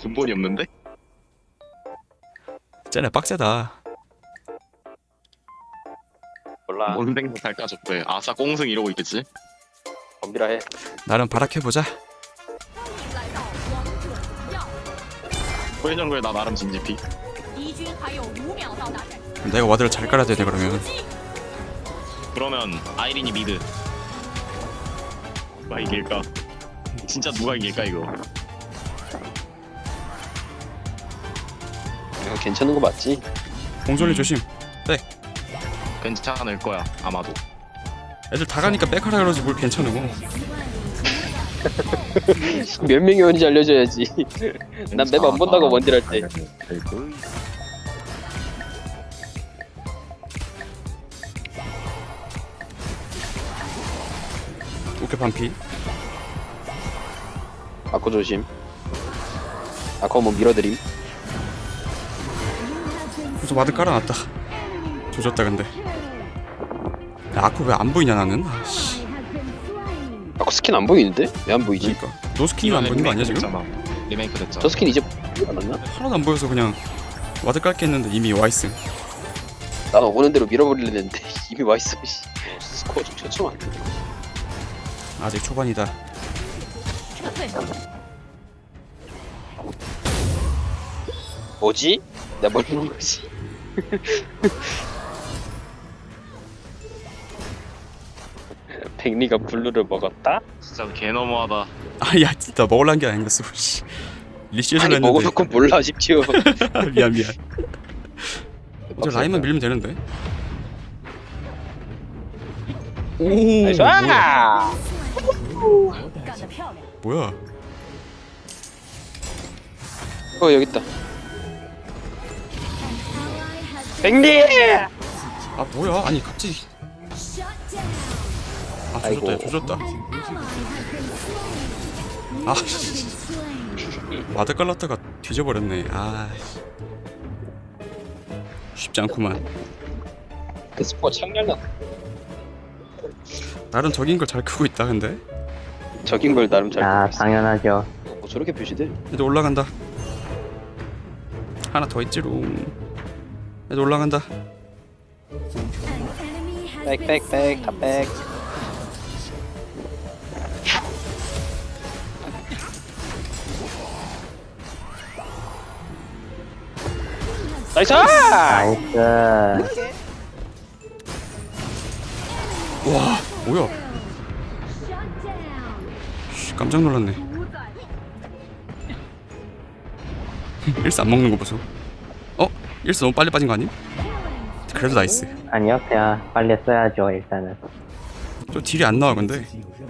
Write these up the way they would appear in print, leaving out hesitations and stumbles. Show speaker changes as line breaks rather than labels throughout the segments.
근본이 없는데?
쟤네 빡세다.
몰라.
뭔 생각할까 저때. 아싸 꽁승 이러고 있겠지?
덤비라 해.
나름 발악해보자.
후회 정글에 나 나름 진지피.
내가 와드를 잘 깔아야 되네 그러면.
그러면 아이린이 미드. 누가 이길까? 진짜 누가 이길까 이거?
이거 괜찮은 거 맞지?
공존이 조심.
괜찮을 거야 아마도.
애들 다 가니까 백하라 그러지 뭘 괜찮으고.
몇 명이 오는지 알려줘야지. 난 맵 안 본다고 원딜 할 때.
오케이 반피.
아코 조심. 아코 뭐 밀어드림.
그래서 와드 깔아놨다. 조졌다 근데. 야, 아쿠 왜 안 보이냐 나는? 아씨.
아코 스킨 안 보이는데? 왜 안 보이지?
그러니까 노스킨이 안 보이는 거 아니야 지금?
리메이크 됐잖아.
저 스킨 이제 보이지 않았나?
하나도 안 보여서 그냥 와드 깔게 했는데 이미 와있음.
나는 오는 대로 밀어버리려 했는데 이미 와있어. 스코어 좀 처참한데.
아직 초반이다.
뭐지? 내가 뭘 보는 거지? 백리가 블루를 먹었다?
진짜 개 너무하다.
아야 진짜 먹을란 게 아니었어. 씨. 리시에서
아니
했는데.
먹어놓고 몰라 싶지요.
미안. 이제 라인만 밀면 되는데. 오.
나이스! 아!
뭐야?
여기 있다. 백리!
아 뭐야? 아니 갑자기. 아
아이고.
조졌다. 조졌다. 아 씨. 와드 깔랐다가 뒤져버렸네. 아 쉽지 않구만.
그 스코어 창렬나.
나름 적인 걸 잘 크고 있다 근데.
적인 걸 나름 잘.
아,
보고 있어.
당연하죠.
저렇게 표시돼?
애들 올라간다. 하나 더 있지롱. 애들 올라간다.
백, 다 백. 나이스!
나이스.
와 뭐야? 씨, 깜짝 놀랐네. 일스 안 먹는 거 보소. 일스 너무 빨리 빠진 거 아님? 그래도 나이스.
아니요, 그냥 빨리 써야죠, 일단은.
저 딜이 안 나와 근데.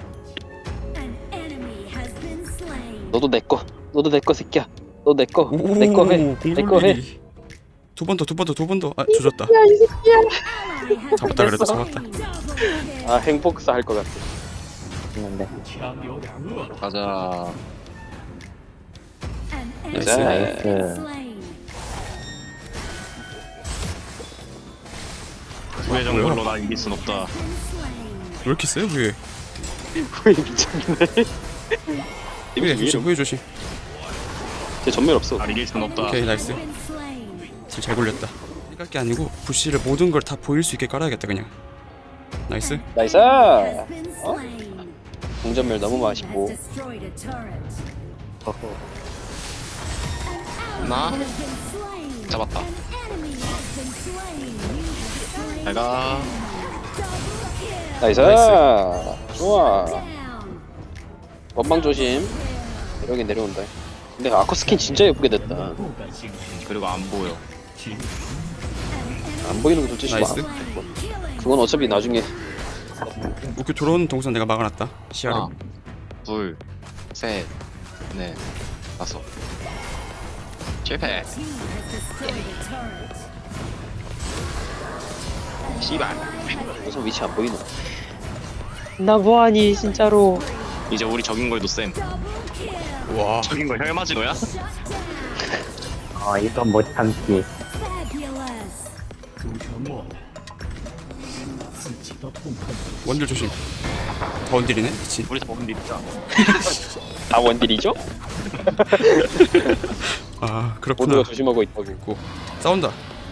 너도 내 거 새끼야. 너 내 거 해. 내 거 해.
두 번 더. 아 조졌다. 잡았다 그래도 잡았다.
아 행복사 할 것 같아.
했는데.
가자.
나이스.
나이스.
후회 정글로 나 이길 순 없다.
왜 이렇게 세요 그게?
후이 미쳤네.
후회 조심 후회 조심.
제 전멸 없어.
나 이길 순 없다.
오케이 나이스. 잘 굴렸다. 깔 게 아니고 부시를 모든 걸 다 보일 수 있게 깔아야겠다 그냥. 나이스.
나이스! 공전멸 너무 맛있고.
나 잡았다. 내가
나이스!
나이스.
좋아. 원방 조심. 여기 내려온다. 근데 아쿠 스킨 진짜 예쁘게 됐다.
그리고 안 보여.
안 보이는 거 둘째
나이스.
그건 어차피 나중에.
우큐 들어오는 동선 내가 막아놨다. 시야로.
하나, 둘, 셋, 넷, 다섯. 실패. 씨발.
무슨 위치 안 보이노? 나 뭐하니 진짜로.
이제 우리 적인 걸도 쌤.
와.
적인 걸 혈마지노야?
이건 못 참지.
원딜 조심. 더 원딜이네 미친.
우리 다 먹은 일이야.
다 원딜이죠?
아 그렇구나.
모두가 조심하고 있다고.
싸운다.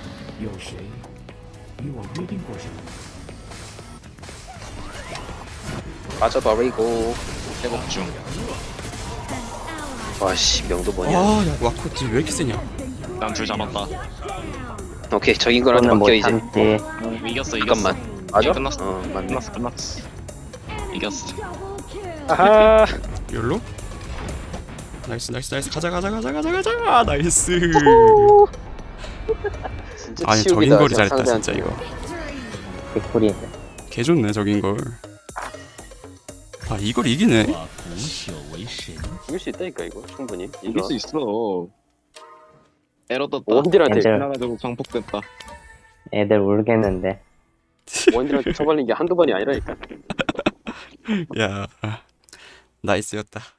빠져버리고.
회복 중.
와씨 명도 뭐냐.
아야 와코 딜 왜 이렇게 세냐.
난 둘 잡았다.
오케이 적인 거한테
저는 못
맡겨 이제.
참지.
이겼어.
잠깐만. 맞아?
끝났어.
어 맞네.
끝났어. 이겼어.
아하.
열로? 나이스 가자 나이스.
진짜
아니
치우기다,
적인 거리
저
잘했다
상대한테.
진짜 이거.
개꿀이.
개 좋네 적인 걸. 아 이걸 이기네.
이길 수 있다니까 이거 충분히.
이길 수 있어. 에러 떴다.
원딜한테
엔젤.
지나가지고 광폭됐다.
애들 울겠는데.
원딜한테 쳐발린 게 한두 번이 아니라니까.
야 나이스였다.